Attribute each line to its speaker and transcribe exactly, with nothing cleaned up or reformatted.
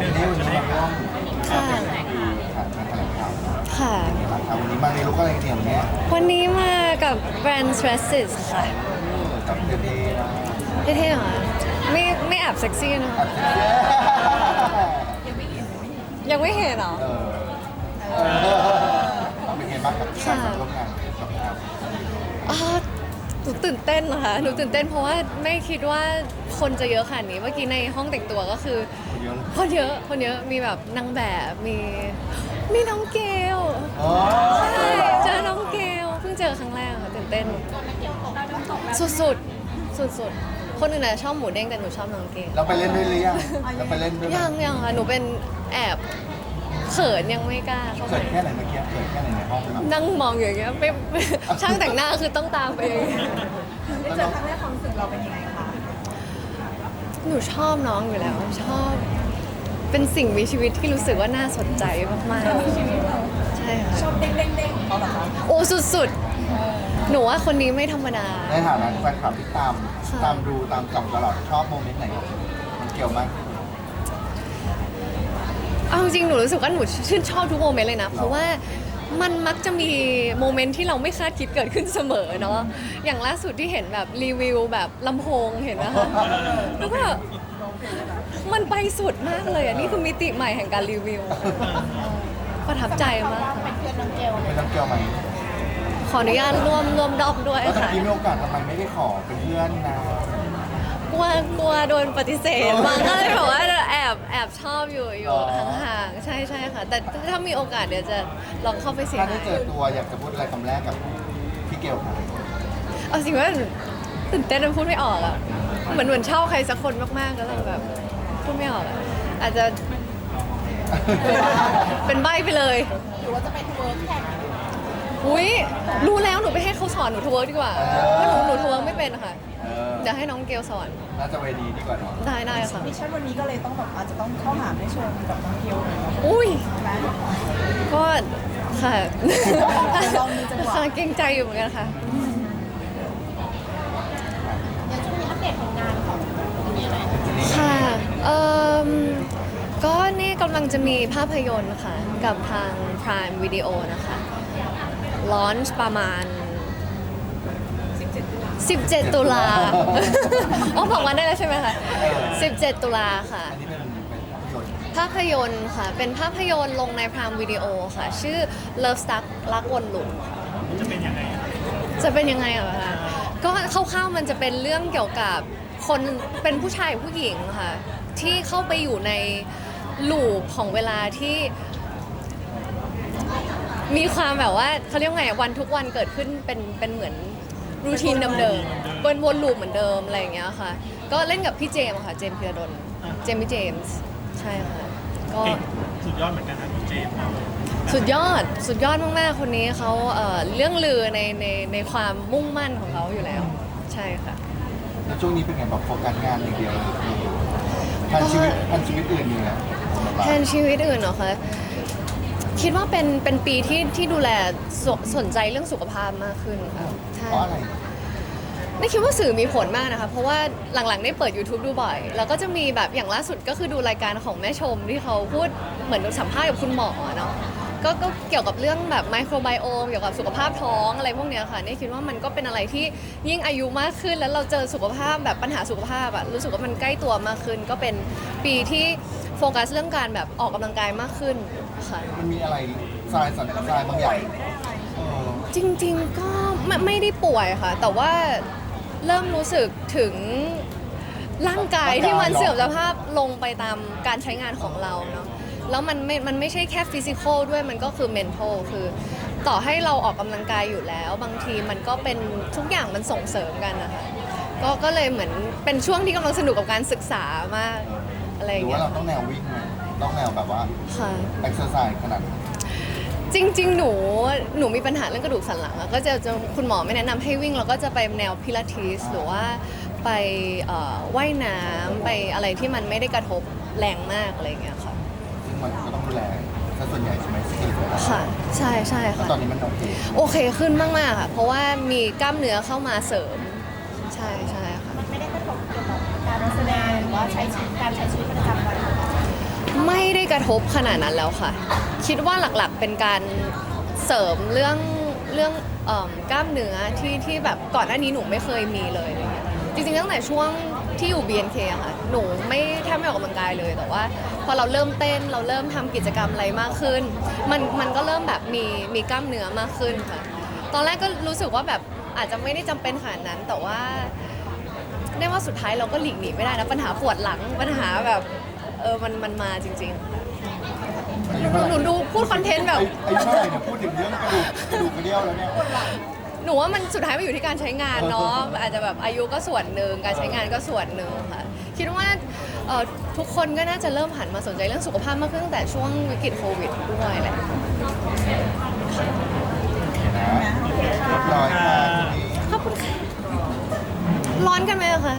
Speaker 1: วันนี้วันนี้มาร่วม
Speaker 2: ค่ะ
Speaker 1: ถ่ายการแถลงข่าว
Speaker 2: ค่ะ
Speaker 1: วันนี้มาในลุคอะไรเนี่ยวันนี้
Speaker 2: วันนี้มากับแบรนด์ Stresses ค่ะ
Speaker 1: กับเจดีย์นะ
Speaker 2: เท่ๆเหรอไม่ไม่แอบเซ็กซี่เนอะ
Speaker 1: อัดเสีย
Speaker 2: ยังไม่เห็นเหรอ
Speaker 1: เออเออเป็นไงบ้างกับการร่วมงานกับงาน
Speaker 2: อ๋อหนูตื่นเต้นนะคะหนูตื่นเต้นเพราะว่าไม่คิดว่าคนจะเยอะขนาดนี้ เมื่อกี้ในห้องแต่งตัวก็คือ
Speaker 1: คนเยอะ
Speaker 2: คนเยอะ คนเยอะ มีแบบนางแบบ มี มีน้องเกล
Speaker 1: อ๋อ
Speaker 2: ใช่ เจอน้องเกล เพิ่งเจอครั้งแรกค่ะตื่นเต้น สุดสุดสุดสุดๆคนอื่นน่ะชอบหมูเด้งแต่หนูชอบน้องเกล
Speaker 1: เราไปเล่นด้วยหรือยังเราไปเล่นด้วยไหม
Speaker 2: ยังยังค่ะ หนูเป็นแอบเขินยังไม่กล้าเข้าไป
Speaker 1: เกิดแค่ไหนเมื่อกี้เกิดแค่ไหนในห้องแบบ
Speaker 2: นั่งมองอยู่อย่างเงี้ยไม่ไม่ช่างแต่งหน้าคือต้องตามไปอย่างเงี้ย
Speaker 3: ได้เจอครั้งแรกความรู้สึกเราเป็นยังไงคะ
Speaker 2: หนูชอบน้องอยู่แล้ว ชอบ เป็นสิ่งมีชีวิตที่รู้สึกว่าน่าสนใจมากๆ ใช่ค่ะ
Speaker 3: ชอบเด้งเด้งเด้งของเขาเหรอคะ
Speaker 2: โอ้สุดๆ หนูว่าคนนี้ไม่ธรรมดา
Speaker 1: ในฐานะแฟนคลับที่ตามตามดูตามจับตลอดชอบโมเมนต์ไหนมันเกี่ยวมาก
Speaker 2: เอาจริงๆหนูรู้สึกว่าหนูชื่นชอบทุกโมเมนต์เลยนะ เพราะว่ามันมักจะมีโมเมนต์ที่เราไม่คาดคิดเกิดขึ้นเสมอเนาะ อย่างล่าสุดที่เห็นแบบรีวิวแบบลำโพงเห็นนะคะ แล้วก็มันไปสุดมากเลยอ่ะ นี่คือมิติใหม่แห่งการรีวิว ประทับใจมาก
Speaker 3: เป็นเพื่อนน้องเกล
Speaker 1: ไม่ต้องเกี่ยวไหม
Speaker 2: ขออนุญาตร่วมร่วมดอกด้วย
Speaker 1: แล้วตะ
Speaker 2: ค่ะ
Speaker 1: กี้มีโอกาสทำไมไม่ได้ขอเป็นเพื่อนนะ
Speaker 2: กลัวกลัวโดนปฏิเสธบางก็เลยแบบว่าแอบแอบชอบอยู่อยู่ห่างๆใช่ใช่ค่ะ แต่ถ้ามีโอกาสเดี๋ยวจะลองเข้าไปเสีย
Speaker 1: ถ้าได้
Speaker 2: หาย
Speaker 1: เจอตัวอยากจะพูดอะไรคำแรกกับพี่เกลครับ
Speaker 2: เอาจริงว่าตื่นเต้นจนพูดไม่ออกอ่ะเหมือนเหมือนชอบใครสักคนมากๆก็เลยแบบพูดไม่ออกอะอาจจะเป็นใบ้ไปเลย
Speaker 3: หรือว่าจะไปทัวร์แข่ง
Speaker 2: อุ้ยรู้แล้วหนูไปให้เขาสอนหนูทัวร์ดีกว่าเพราะหนูหนูทัวร์ไม่เป็นค่ะ
Speaker 1: เออ
Speaker 2: เดี๋ยวให้น้องเกลสอน
Speaker 1: น่าจะเวดีดีกว่าเนาะ
Speaker 2: ได้ได้ค่ะ
Speaker 3: มิชชั่นวันนี้ก็เลยต้องแบบอาจจะต้องเข้าหาแม่ชมกับน้องเกลหน่อยเนาะ
Speaker 2: อุ้ย
Speaker 3: ใช่ไหม
Speaker 2: ก็ค่ะ
Speaker 3: ลองดูจังหวะ
Speaker 2: ค่ะเกรงใจอยู่เหมือนกันค่ะ
Speaker 3: อย่างช่วงนี้อัปเดตผลงานของมีอะไร
Speaker 2: ค่ะเอ่มก็นี่กำลังจะมีภาพยนตร์ค่ะ กับทาง Prime Video นะคะลอนช์ประมาณ สิบเจ็ด ตุลา อ๋อบอกวันได้แล้วใช่ไหมคะ สิบเจ็ด ตุลาค่ะ
Speaker 1: อันนี้เป็นเป็นภาพยนตร์
Speaker 2: ภาพยนตร์ค่ะ เป็นภาพยนตร์ลงใน Prime Video ค่ะ ชื่อ Love Stuck รักวนลูปค่ะ จะเป็นยังไงจะเป็นยังไงเหรอคะก็คร่าวๆมันจะเป็นเรื่องเกี่ยวกับคนเป็นผู้ชายผู้หญิงค่ะ ที่เข้าไปอยู่ในลูปของเวลาที่ มีความแบบว่าเขาเรียกว่าไงวันทุกวันเกิดขึ้นเป็นเป็นเหมือนรูทีนเดิมๆวนวนลูปเหมือนเดิมอะไรอย่างเงี้ยค่ะ ก็เล่นกับพี่เจมส์ค่ะ เจมส์พีระดลเจมส์พี่เจมส์ใช่ค่ะก็
Speaker 4: เก่งสุดยอดเหมือนกันนะพี่เจมส์
Speaker 2: สุดยอดสุดยอดมากๆคนนี้เขาเอ่อเรื่องลือในในในความมุ่งมั่นของเขาอยู่แล้ว ใช่ค่ะ
Speaker 1: แล้วช่วงนี้เป็นไงแบบโฟกัสงานอย่างเดียวเลยทันชีวิตทันชีวิตอื่นอยู่นะ
Speaker 2: แทนชีวิตอื่นเหรอคะคิดว่าเป็นเป็นปีที่ที่ดูแลสสนใจเรื่องสุขภาพมากขึ้นค่ะใช่
Speaker 1: เพราะอะไร
Speaker 2: ไม่คิดว่าสื่อมีผลมากนะคะ เพราะว่าหลังๆได้เปิด YouTube ดูบ่อย แล้วก็จะมีแบบอย่างล่าสุดก็คือดูรายการของแม่ชมที่เขาพูดเหมือนสัมภาษณ์กับคุณหมอเนาะก็ก็เกี่ยวกับเรื่องแบบไมโครไบโอมเกี่ยวกับสุขภาพท้องอะไรพวกเนี้ยค่ะนี่คิดว่ามันก็เป็นอะไรที่ยิ่งอายุมากขึ้น แล้วเราเจอสุขภาพแบบปัญหาสุขภาพอะรู้สึกว่ามันใกล้ตัวมากขึ้น ก็เป็นปีที่โฟกัสเรื่องการแบบออกกำลังกายมากขึ้นค่ะ
Speaker 1: มันมีอะไรทรายสันทรายบางอย่างเออ
Speaker 2: จริงๆก็ไม่ไม่ได้ป่วยค่ะ แต่ว่าเริ่มรู้สึกถึงร่างกายที่มันเสื่อมสภาพลงไปตามการใช้งานของเราเนาะแล้วมันไม่มันไม่ใช่แค่ฟิสิกอลด้วยมันก็คือเมนทัลคือต่อให้เราออกกำลังกายอยู่แล้ว บางทีมันก็เป็นทุกอย่างมันส่งเสริมกันนะคะก็ก็เลยเหมือนเป็นช่วงที่กำลังสนุกกับการศึกษามากอะไรอ
Speaker 1: หรื
Speaker 2: ย่าง
Speaker 1: อว่า
Speaker 2: เงี้ย
Speaker 1: เราต้องแนววิ่งไหมต้องแนวแบบว่า
Speaker 2: ค่ะ
Speaker 1: เอ็กซ์เซอร์ไซส์ขนาดนั้น
Speaker 2: จริงๆ หนู หนูมีปัญหาเรื่องกระดูกสันหลังอะก็จะจะคุณหมอไม่แนะนำให้วิ่งเราก็จะไปแนวพิลาทิสหรือว่าไปเอ่อว่ายน้ำไปอะไรที่มันไม่ได้กระทบแรงมากอะไรอย่างเงี้ยค่ะ
Speaker 1: ซึ่งมันก็ต้องดูแลซะส่วนใหญ่ใช่ไหมสกิลของเรา
Speaker 2: ค่ะ ใช่ใช่
Speaker 1: แล้ว
Speaker 2: ค่ะ
Speaker 1: ตอนนี้มันโอเค
Speaker 2: โอเคขึ้นมากๆค่ะ เพราะว่ามีกล้ามเนื้อเข้ามาเสริม ใช่ใช่ค่ะ
Speaker 3: มันไม่ได้กระทบเกี่ยวกับการแสดงหรือว่าใช้ชีวิตการใช้ชีวิตประจำวันของเรา
Speaker 2: ไม่กระทบขนาดนั้นแล้วค่ะ คิดว่าหลักๆเป็นการเสริมเรื่องเรื่องเอิ่มกล้ามเนื้อที่ที่แบบก่อนหน้านี้หนูไม่เคยมีเลยอะไรเงี้ยจริงๆตั้งแต่ช่วงที่อยู่ บี เอ็น เค อะค่ะหนูไม่แทบไม่ออกกำลังกายเลยแต่ว่าพอเราเริ่มเต้นเราเริ่มทำกิจกรรมอะไรมากขึ้น มันมันก็เริ่มแบบมีมีกล้ามเนื้อมากขึ้นค่ะ ตอนแรกก็รู้สึกว่าแบบอาจจะไม่ได้จำเป็นขนาดนั้น แต่ว่าเรียกว่าสุดท้ายเราก็หลีกหนีไม่ได้นะปัญหาปวดหลังปัญหาแบบเออมันมันมาจริงๆค่ะหนูหนูดูพูดคอนเทนต์แบบ
Speaker 1: ไอ้ไอ้เท่าไหร่เนี่ยพูดถึงเรื่องกระดูกกระดูกกระเดี่ยวแล้วเนี่ย
Speaker 2: หนูว่ามันสุดท้ายมันอยู่ที่การใช้งานเนาะอาจจะแบบอายุก็ส่วนหนึ่งการใช้งานก็ส่วนหนึ่งค่ะคิดว่าเอ่อทุกคนก็น่าจะเริ่มหันมาสนใจเรื่องสุขภาพมากขึ้นตั้งแต่ช่วงวิกฤตโควิดด้วยแหละ
Speaker 1: นะเรียบร้อยค่ะทีนี้
Speaker 2: ขอบคุณค่ะร้อนกันไหมอะคะ